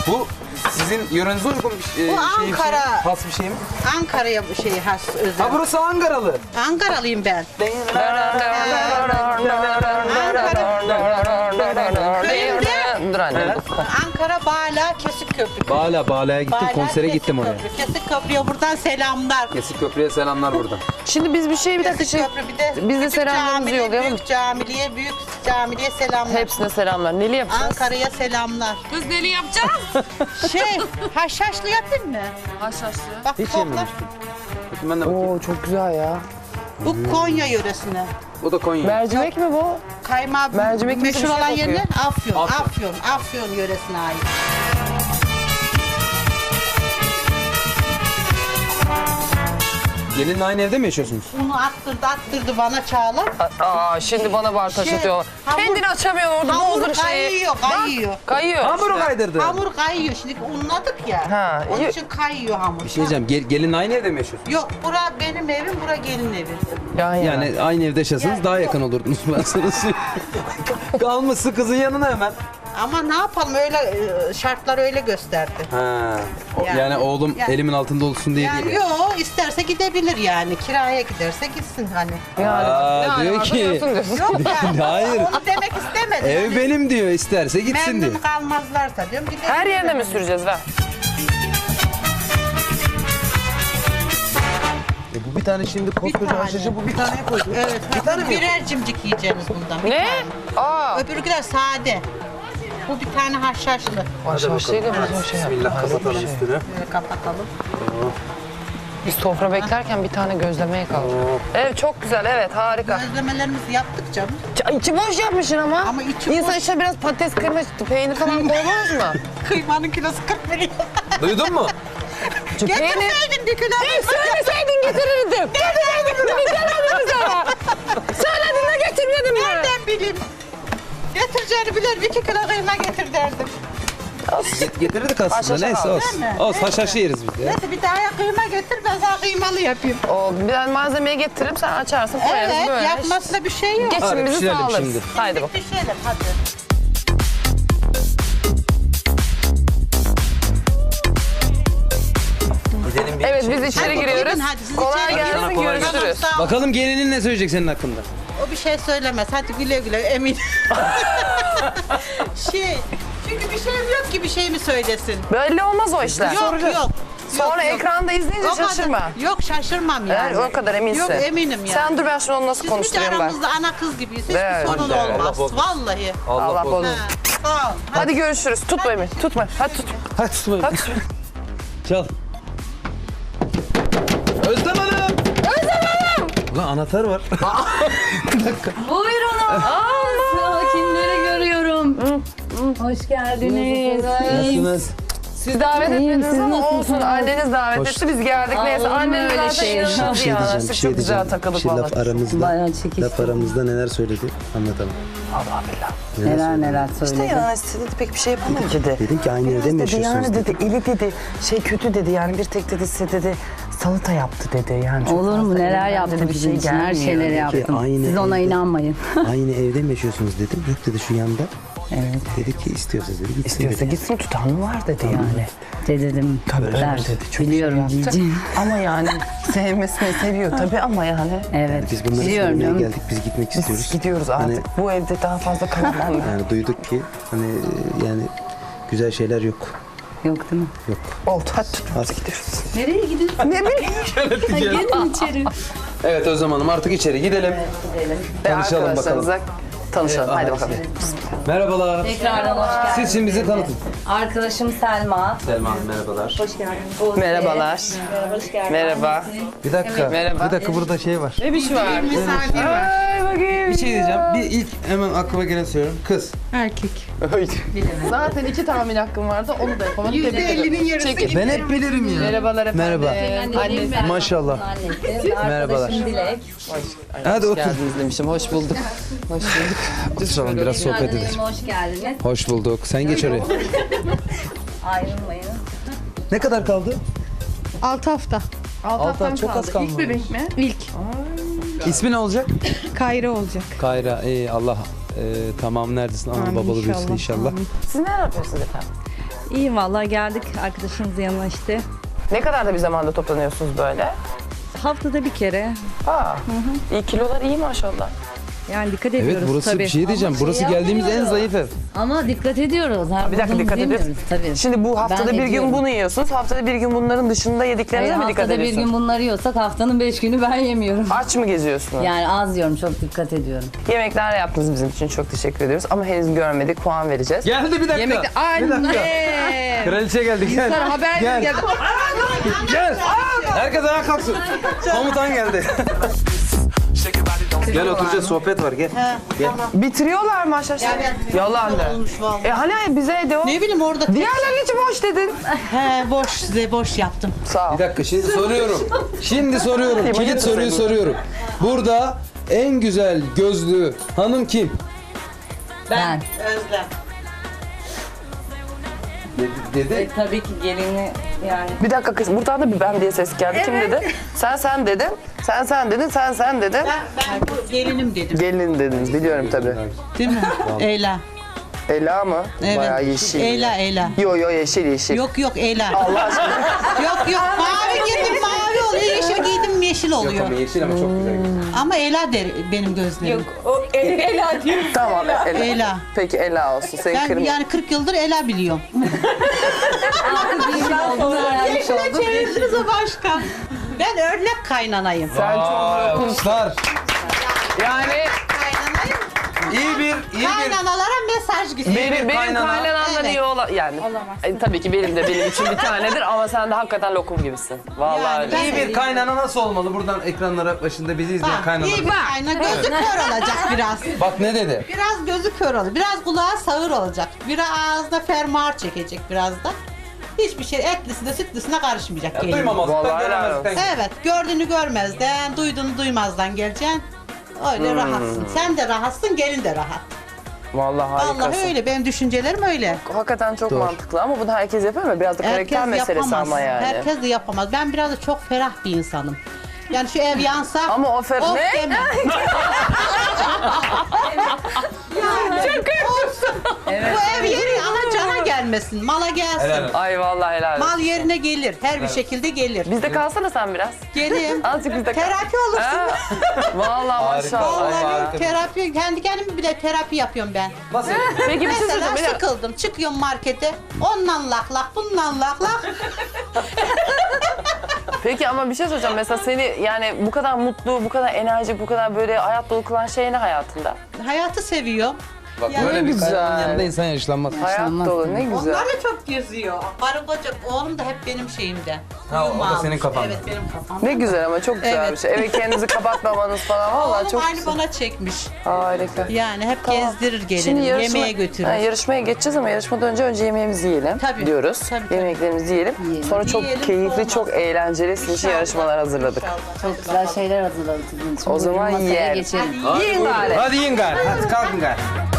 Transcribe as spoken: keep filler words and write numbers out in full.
Bu sizin yörenize uygun bir şey, Bu şey, Ankara. şey, has bir şey mi? Ankara'ya bu şey has özel. Ha burası Ankaralı. Ankaralıyım ben. Dur anne. Ankara Bala Kesik Köprü. Bala, Bala'ya gittim, Bala, konsere Kesik gittim oraya. Köprü. Kesik Köprü'ye buradan selamlar. Kesik Köprü'ye selamlar buradan. Şimdi biz bir şey bir dakika Kesik şey. Köprü bir de Biz de küçük selamlarımızı camiliye, yollayalım. Büyük camiliye, büyük camiliye selamlar. Hepsine selamlar. Neli yapacağız? Ankara'ya selamlar. Kız neli yapacağız? Şey, haşhaşlı yapayım mı? Haşhaşlı. Bak Hiç toplar. yememiştim. Bakın ben de bakayım. Oo çok güzel ya. Bu Konya yöresine. Bu da Konya. Mercimek mi bu? Kaymağı Mercimek gibi meşhur bir şey olan kokuyor. yerler Afyon. Afyon. Afyon. Afyon yöresine ait. Gelinle aynı evde mi yaşıyorsunuz? Unu attırdı attırdı bana Çağla. Aa şimdi bana bar taş Şey, atıyorlar. hamur- Kendini açamıyor orada Hamur bozdur şeyi. kayıyor, kayıyor. Kayıyor. Hamuru işte. kaydırdı. Hamur kayıyor. Şimdi unladık ya. Ha, Onun iyi. için kayıyor hamur. Bir şey diyeceğim, gel, gelinle aynı evde mi yaşıyorsunuz? Yok, bura benim evim, bura gelin evi. Yan yana. Yani aynı evde yaşasanız Yani daha yok. yakın olurdunuz ben sana söyleyeyim. Kalmışsın kızın yanına hemen. Ama ne yapalım öyle e, şartlar öyle gösterdi. Ha. o- Yani, Yani- oğlum yani- elimin altında olsun diye Yani değil. yok isterse gidebilir yani. Kiraya giderse gitsin hani. Yani, Aa, yani diyor varsa ki- diyorsun diyorsun. Yok yani. Hayır. Onu demek istemedim. Ev Hani benim diyor, isterse gitsin diyor. memnun kalmazlarsa diyorum gidebilir. Her yerine mi süreceğiz ver? E bu bir tane şimdi koskoca tane. haşhaşı bu bir taneye koydu. Evet. Bir tane mi? Birer cimcik yiyeceğiniz bundan. bir Ne? tane. Aa. Öbürküler sade. Bu bir tane haşhaşlı. Haşhaşlıyla biz o şey yaptık. Bismillah kapatalım üstünü. Böyle kapatalım. Biz sofra beklerken bir tane gözlemeye kaldık. Evet çok güzel evet harika. Gözlemelerimizi yaptık canım. Ç- İçi boş yapmışsın ama. Ama içi İnsan boş. içine biraz patates, kıyma, peynir falan koymaz mı? Kıymanın kilosu kırk milyon. Duydun mu? Çünkü peynir... Getirseydin bir kilo. Söyleseydin getirirdim. Getirirdim. Getirmedim sana. Söyledin de getirmedim mi? Nereden bileyim? Getireceğini bilir. Bir iki kilo kıyma getir derdim. Getirirdik aslında, Haşhaşı neyse aldık. olsun. Değil mi? Olsun, haşhaşı yeriz biz ya. Neyse bir daha ya kıyma getir ben sana kıymalı yapayım. O, ben malzemeyi getiririm sen açarsın koyarız Evet böyle. yapmasında bir şey yok. Geçin Hadi bizi pişirelim sağlarız. şimdi. Haydi bak. Pişirelim hadi. Gidelim bir Evet biz içeri Hadi giriyoruz. gidin, hadi siz Kolay içeri gelsin girin. Kolay gelsin. görüşürüz. Tamam, sağ ol. Bakalım gelinin ne söyleyecek senin hakkında? O bir şey söylemez. Hadi güle güle emin. şey çünkü bir şeyim yok ki bir şey mi söylesin? Belli olmaz o işler. Yok yok. Sonra yok, yok. ekranda izleyince O kadar- şaşırma. Yok şaşırmam yani. Yani o kadar eminsin. Yok eminim yani. Sen dur ben şimdi onu nasıl Siz bir de konuşturayım ben. aramızda ana kız gibiyiz. Hiçbir Evet. sorun Allah olmaz. bozmasın. Vallahi. Allah, Allah korusun. bozmasın. Ha, sağ ol. Hadi görüşürüz. Tutma Emin. Tutma. Hadi tut. Hadi tutmayın. Hadi. Çal. Özlem Hanım! Özlem Hanım! Ulan anahtar var. Buyurun. Aa, sakinleri görüyorum. Hoş geldiniz. Nasılsınız? Siz davet etmediniz ama olsun. Anneniz davet Hoş- etti. Biz geldik. Neyse olur mu anneniz öyle zaten şey? inanılmaz Bir şey ya. Siz çok güzel takılıp şey falan. laf aramızda, Bayağı çekiştim. laf aramızda neler söyledi anlatalım. Allah billah. Neler neler İşte söyledi. yani size dedi pek bir şey yapamam dedi. Dedim ki aynı evde mi dedi yaşıyorsunuz yani dedi. dedi eli dedi şey kötü dedi yani bir tek dedi size dedi salata yaptı dedi yani. çok Olur mu? fazla Neler elinden yaptı dedi, bizim için? Her gelmiyor. şeyleri Ki yaptım. aynı Siz ona evde- inanmayın. Aynı evde mi yaşıyorsunuz dedim. Yok dedi şu yanda. Evet. Dedi ki istiyorsa dedi gitsin İstiyorsa dedi. gitsin tutan mı var dedi yani. De dedim. Tabii Der. öyle dedi. Çok Biliyorum şey yaptı. diyeceğim. Ama yani sevmesini seviyor tabii ama yani. Evet. Biz bunları Biliyorum söylemeye canım. geldik. Biz gitmek istiyoruz. Biz gidiyoruz artık. Hani, Bu evde daha fazla kalamam ben. yani duyduk ki hani yani güzel şeyler yok. Yok değil mi? Yok. Oldu hadi tut. Artık Nereye gidiyorsun? Ne bileyim. Gelin içeri. Evet Özlem Hanım artık içeri gidelim. Ve Tanışalım arkadaşlarınıza tanışalım. Haydi bakalım. Merhabalar. Tekrardan hoş geldiniz. Siz şimdi bizi tanıtın. Arkadaşım Selma. Selma Hanım merhabalar. Hoş geldiniz. Merhabalar. Hoş geldiniz. Merhaba. Bir dakika. Merhaba. Bir dakika burada şey var. Ne biçim var? Ay bakayım. Bir şey diyeceğim. Bir ilk hemen aklıma gelen söylüyorum. Kız. Erkek. Zaten iki tahmin hakkım vardı. Onu da yapamadım. Yüzde Tebrik ederim. ellinin yarısı Çekil. Ben hep bilirim ya. Merhabalar efendim. Merhaba. Annesi. Maşallah. Merhabalar. Arkadaşım Dilek. Hadi Hoş otur. geldiniz demişim. Hoş bulduk. Hoş bulduk. Oturalım biraz sohbet edelim. Anneciğim hoş geldiniz. Hoş bulduk. Sen geç oraya. Ayrılmayın. Ne kadar kaldı? altı hafta. Altı ay çok az kalmış. mi? İlk. İsmi ne olacak? Kayra olacak. Kayra. İyi Allah e, tamam neredesin? Ana Amin, babalı büyüsün inşallah. inşallah. Amin. Siz ne yapıyorsunuz efendim? İyi vallahi geldik arkadaşımızın yanına işte. Ne kadar da bir zamanda toplanıyorsunuz böyle? Haftada bir kere. Aa, iyi kilolar iyi maşallah. Yani dikkat Evet ediyoruz burası tabii. bir şey diyeceğim. Burası geldiğimiz en zayıf ev. Ama dikkat ediyoruz. Her Bir dakika bulduğumuzu dikkat ediyoruz. yemiyoruz tabii. Şimdi bu haftada Ben bir gün ediyorum. bunu yiyorsunuz. Haftada bir gün bunların dışında yediklerinize Hayır, mi dikkat haftada bir ediyorsunuz? gün bunları yiyorsak haftanın beş günü ben yemiyorum. Aç mı geziyorsunuz? Yani az yiyorum, çok dikkat ediyorum. Yemekler yaptınız bizim için. Çok teşekkür ediyoruz. Ama henüz görmedik. Puan vereceğiz. Geldi bir dakika. Yemekte anne. Kraliçe geldi gel. Sana haber Gel. geldi. Gel. Herkes ayağa kalksın. Komutan geldi. Gel oturacağız sohbet var gel. Bitiriyorlar mı aşağı? Yalan de. Olmuş vallahi. E hani bize de o. Ne bileyim orada tek... Diğerlerinin içi boş dedin. He boş size boş yaptım. Sağ ol. Bir dakika şimdi soruyorum. Şimdi soruyorum. Kilit soruyu soruyorum. Burada en güzel gözlü hanım kim? Ben. Özlem. Dedi. dedi. E, tabii ki gelini yani. Bir dakika kız. Buradan da bir ben diye ses geldi. Kim dedi? Sen sen dedin. Sen sen dedin. Sen sen dedin. Ben, ben bu gelinim dedim. Gelin dediniz. Biliyorum tabii. Değil mi? Ela. Ela mı? Evet. Bayağı yeşil. Ela Ela. Yo yo yeşil yeşil. Yok yok Ela. Allah aşkına. Yok yok mavi giydim mavi oluyor. Yeşil giydim yeşil Yok oluyor. ama yeşil ama çok güzel. Ama Ela der benim gözlerim. O Ela diyor. Tamam Ela. Ela. Peki Ela olsun. Senin Ben kırmızı. yani kırk yıldır Ela biliyorum. Olduğunu öğrenmiş Yeşile olduk. çevirdiniz o başka. Ben örnek kaynanayım. Sen çok Alkışlar. yani Kaynanayım. İyi bir, iyi bir. Kaynanalara mesaj gitsin. benim, benim kaynana. kaynanamdan Evet. iyi olan yani. E, tabii ki benim de benim için bir tanedir ama sen de hakikaten lokum gibisin. Vallahi Yani öyle. ben- İyi bir kaynana nasıl olmalı? Buradan ekranlara başında bizi izleyen Bak, kaynana. iyi bir kayna gözü kör olacak biraz. Bak ne dedi? Biraz gözü kör olacak. Biraz kulağı sağır olacak. Biraz ağzına fermuar çekecek biraz da. Hiçbir şey etlisine sütlüsüne karışmayacak. Ya, gelin. duymamazlıktan, Vallahi helal göremezlikten. Evet, gördüğünü görmezden, duyduğunu duymazdan geleceksin. Öyle rahatsın. Sen de rahatsın, gelin de rahat. Vallahi harikasın. Vallahi öyle, benim düşüncelerim öyle. Hakikaten çok mantıklı ama bunu herkes yapıyor mu? Biraz da karakter Herkes meselesi yapamaz. ama yani. Herkes de yapamaz. Ben biraz da çok ferah bir insanım. Yani şu ev yansa... Ama o fer... of Ne? demem. Bu ev yeri ama cana gelmesin, mala gelsin. Helal olsun. Ay vallahi helal olsun. Mal yerine gelir, her bir şekilde gelir. Bizde kalsana sen biraz. Geleyim. Azıcık bizde kal. Terapi olursun. Ha? Vallahi Harika. maşallah. Vallahi Vallahi harika. terapi, kendi kendime bile terapi yapıyorum ben. Nasıl? Peki bir şey Mesela söyleyeceğim. Bir dakika. sıkıldım, çıkıyorum markete, ondan lak lak, bundan lak lak. Peki ama bir şey söyleyeceğim. Mesela seni yani bu kadar mutlu, bu kadar enerjik, bu kadar böyle hayat dolu kılan şey ne hayatında? Hayatı seviyorum. Bak Ya böyle ne bir güzel. kaynananın yanında insan yaşlanmaz. Hayat dolu ne güzel. Onlar da çok geziyor. Karı koca, oğlum da hep benim şeyimde. Ha, o da Uyuma senin almış. kafanda. Evet, benim kafamda. Ne güzel ama çok güzel Evet. bir şey. Eve kendinizi kapatmamanız falan vallahi Oğlum çok aynı güzel. bana çekmiş. Harika. Yani hep Tamam. gezdirir gelin, Şimdi yarışma- yemeğe götürür. Ha, yarışmaya geçeceğiz ama yarışmadan önce önce yemeğimizi yiyelim Tabii. diyoruz. Tabii, tabii. Yemeklerimizi yiyelim. Sonra çok Yiyelim, keyifli, olmaz. çok eğlenceli sizin için İnşallah. yarışmalar hazırladık. İnşallah. Çok güzel şeyler hazırladık sizin için. O zaman Buyurun masaya yiyelim. geçelim. Yiyin gari. Hadi yiyin gari. Hadi kalkın gari.